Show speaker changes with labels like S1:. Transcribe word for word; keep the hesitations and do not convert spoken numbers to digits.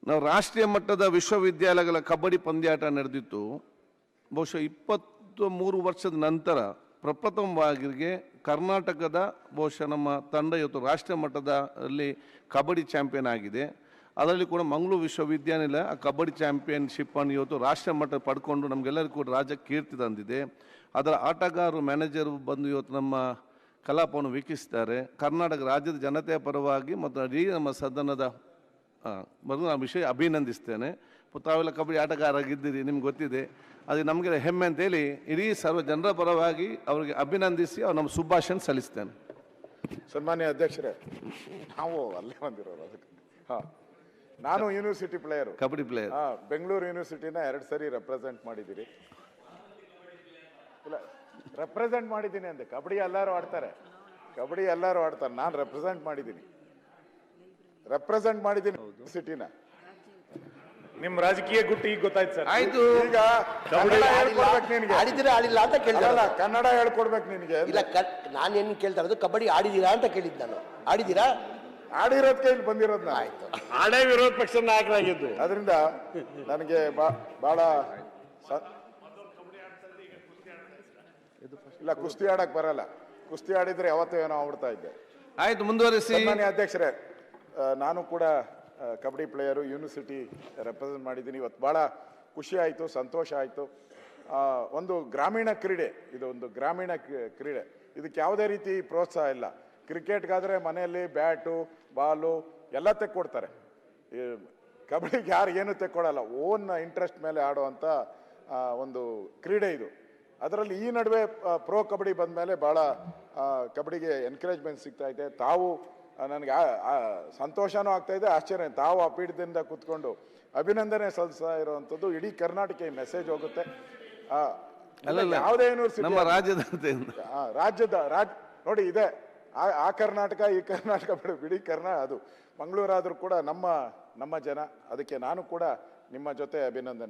S1: ನಾವು ರಾಷ್ಟ್ರೀಯ ಮಟ್ಟದ ವಿಶ್ವವಿದ್ಯಾಲಯಗಳ ಕಬಡ್ಡಿ ಪಂದ್ಯಾಟ ನಡೆದಿತ್ತು. ಬಹುಶಃ ಇಪ್ಪತ್ತು ಮೂರು ವರ್ಷದ ನಂತರ ಪ್ರಪ್ರಥಮವಾಗಿ ಕರ್ನಾಟಕದ ಬಹುಶಃ ನಮ್ಮ ತಂಡ ಇವತ್ತು ರಾಷ್ಟ್ರೀಯ ಮಟ್ಟದಲ್ಲಿ ಕಬಡ್ಡಿ ಚಾಂಪಿಯನ್ ಆಗಿದೆ. ಅದರಲ್ಲಿ ಕೂಡ ಮಂಗಳೂರು ವಿಶ್ವವಿದ್ಯಾನಿಲಯ ಆ ಕಬಡ್ಡಿ ಚಾಂಪಿಯನ್ಶಿಪ್ ಅನ್ನು ಇವತ್ತು ರಾಷ್ಟ್ರೀಯ ಮಟ್ಟ ಪಡ್ಕೊಂಡು ನಮಗೆಲ್ಲರಿಗೂ ಕೂಡ ರಾಜ್ಯ ಕೀರ್ತಿ ತಂದಿದೆ. ಅದರ ಆಟಗಾರರು ಮ್ಯಾನೇಜರು ಬಂದು ಇವತ್ತು ನಮ್ಮ ಕಲಾಪವನ್ನು ವೀಕ್ಷಿಸಿದ್ದಾರೆ. ಕರ್ನಾಟಕ ರಾಜ್ಯದ ಜನತೆಯ ಪರವಾಗಿ ಮತ್ತು ಇಡೀ ನಮ್ಮ ಸದನದ ಬರೆದು ಆ ವಿಷಯ ಅಭಿನಂದಿಸ್ತೇನೆ. ತಾವೆಲ್ಲ ಕಬಡ್ಡಿ ಆಟಗಾರರಾಗಿದ್ದೀರಿ, ನಿಮ್ಗೆ ಗೊತ್ತಿದೆ. ಅದು ನಮಗೆ ಹೆಮ್ಮೆ ಅಂತೇಳಿ ಇಡೀ ಸರ್ವ ಜನರ ಪರವಾಗಿ ಅವರಿಗೆ ಅಭಿನಂದಿಸಿ ಅವ್ರು ನಮ್ಮ ಶುಭಾಶಯ ಸಲ್ಲಿಸ್ತೇನೆ.
S2: ಸನ್ಮಾನ್ಯ ಅಧ್ಯಕ್ಷರೇ, ನಾವು ಅಲ್ಲೇ ಬಂದಿರೋರು ಅದಕ್ಕೆ. ಹಾಂ, ನಾನು ಯೂನಿವರ್ಸಿಟಿ ಪ್ಲೇಯರು,
S1: ಕಬಡ್ಡಿ ಪ್ಲೇಯರ್.
S2: ಹಾಂ, ಬೆಂಗಳೂರು ಯೂನಿವರ್ಸಿಟಿನ ಎರಡು ಸರಿ ರೆಪ್ರೆಸೆಂಟ್ ಮಾಡಿದ್ದೀರಿ. ಇಲ್ಲ, ರೆಪ್ರೆಸೆಂಟ್ ಮಾಡಿದ್ದೀನಿ ಅಂದೆ. ಕಬಡ್ಡಿ ಎಲ್ಲರೂ ಆಡ್ತಾರೆ, ಕಬಡ್ಡಿ ಎಲ್ಲರೂ ಆಡ್ತಾರೆ. ನಾನು ರೆಪ್ರೆಸೆಂಟ್ ಮಾಡಿದ್ದೀನಿ ರೆಪ್ರೆಸೆಂಟ್ ಮಾಡಿದ್ದೀನಿ ಯೂನಿವರ್ಸಿಟಿನ.
S3: ನಿಮ್ ರಾಜಕೀಯ ಗುಟ್ಟು ಈಗ ಗೊತ್ತಾಯ್ತು ಸರ್.
S1: ಆಯ್ತು,
S2: ಈಗ ಕನ್ನಡ ಹೇಳ್ಕೊಡ್ಬೇಕು ನಿನಗೆ.
S4: ಆಡಿದ್ರೆ ಆಡಿಲ್ಲ ಅಂತ ಕೇಳಿಲ್ಲ,
S2: ಕನ್ನಡ ಹೇಳ್ಕೊಡ್ಬೇಕು ನಿನಗೆ.
S4: ಇಲ್ಲ, ನಾನೇನು ಕೇಳ್ತಾ ಇರೋದು ಕಬಡ್ಡಿ ಆಡಿದೀರಾ ಅಂತ ಕೇಳಿದ್ದು ನಾನು. ಆಡಿದೀರಾ?
S2: ಆಡಿರೋದಕ್ಕೆ ಇಲ್ಲಿ ಬಂದಿರೋದು.
S4: ಆಯ್ತು,
S3: ಆಡೇ ವಿರೋಧ ಪಕ್ಷದ ನಾಯಕರಾಗಿದ್ದು.
S2: ಅದರಿಂದ ನನಗೆ ಬಹಳ ಇಲ್ಲ, ಕುಸ್ತಿ ಆಡಕ್ ಬರಲ್ಲ. ಕುಸ್ತಿ ಆಡಿದ್ರೆ ಯಾವತ್ತೂ ಏನೋ ಆಗ್ಬಿಡ್ತಾ ಇದ್ದೆ.
S1: ಆಯ್ತು, ಮುಂದುವರಿಸಿ.
S2: ಸನ್ಮಾನ್ಯ ಅಧ್ಯಕ್ಷರೇ, ನಾನು ಕೂಡ ಕಬಡ್ಡಿ ಪ್ಲೇಯರು, ಯೂನಿವರ್ಸಿಟಿ ರೆಪ್ರೆಸೆಂಟ್ ಮಾಡಿದ್ದೀನಿ. ಇವತ್ತು ಭಾಳ ಖುಷಿ ಆಯಿತು, ಸಂತೋಷ ಆಯಿತು. ಒಂದು ಗ್ರಾಮೀಣ ಕ್ರೀಡೆ, ಇದು ಒಂದು ಗ್ರಾಮೀಣ ಕ್ರೀಡೆ. ಇದಕ್ಕೆ ಯಾವುದೇ ರೀತಿ ಪ್ರೋತ್ಸಾಹ ಇಲ್ಲ. ಕ್ರಿಕೆಟ್ಗಾದರೆ ಮನೆಯಲ್ಲಿ ಬ್ಯಾಟು ಬಾಲು ಎಲ್ಲ ತೆಕ್ಕೊಡ್ತಾರೆ. ಕಬಡ್ಡಿಗೆ ಯಾರು ಏನು ತೆಕ್ಕೊಡಲ್ಲ. ಓನ್ ಇಂಟ್ರೆಸ್ಟ್ ಮೇಲೆ ಆಡುವಂಥ ಒಂದು ಕ್ರೀಡೆ ಇದು. ಅದರಲ್ಲಿ ಈ ನಡುವೆ ಪ್ರೋ ಕಬಡ್ಡಿ ಬಂದ ಮೇಲೆ ಭಾಳ ಕಬಡ್ಡಿಗೆ ಎನ್ಕರೇಜ್ಮೆಂಟ್ ಸಿಗ್ತಾ ಇದೆ. ತಾವು ನನಗೆ ಸಂತೋಷನೂ ಆಗ್ತಾ ಇದೆ, ಆಶ್ಚರ್ಯ. ತಾವು ಆ ಪೀಠದಿಂದ ಕೂತ್ಕೊಂಡು ಅಭಿನಂದನೆ ಸಲ್ಲಿಸ್ತಾ ಇರುವಂಥದ್ದು ಇಡೀ ಕರ್ನಾಟಕ ಈ ಮೆಸೇಜ್ ಹೋಗುತ್ತೆ. ಯಾವುದೇ ಯೂನಿವರ್ಸಿಟಿ
S1: ನಮ್ಮ ರಾಜ್ಯದ
S2: ರಾಜ್ಯದ ರಾಜ್ ನೋಡಿ ಇದೆ. ಆ ಕರ್ನಾಟಕ ಈ ಕರ್ನಾಟಕ ಬಿಡಿ ಬಿಡಿ ಕರ್ನಾ ಅದು ಮಂಗಳೂರಾದರೂ ಕೂಡ ನಮ್ಮ ನಮ್ಮ ಜನ. ಅದಕ್ಕೆ ನಾನು ಕೂಡ ನಿಮ್ಮ ಜೊತೆ ಅಭಿನಂದನೆ.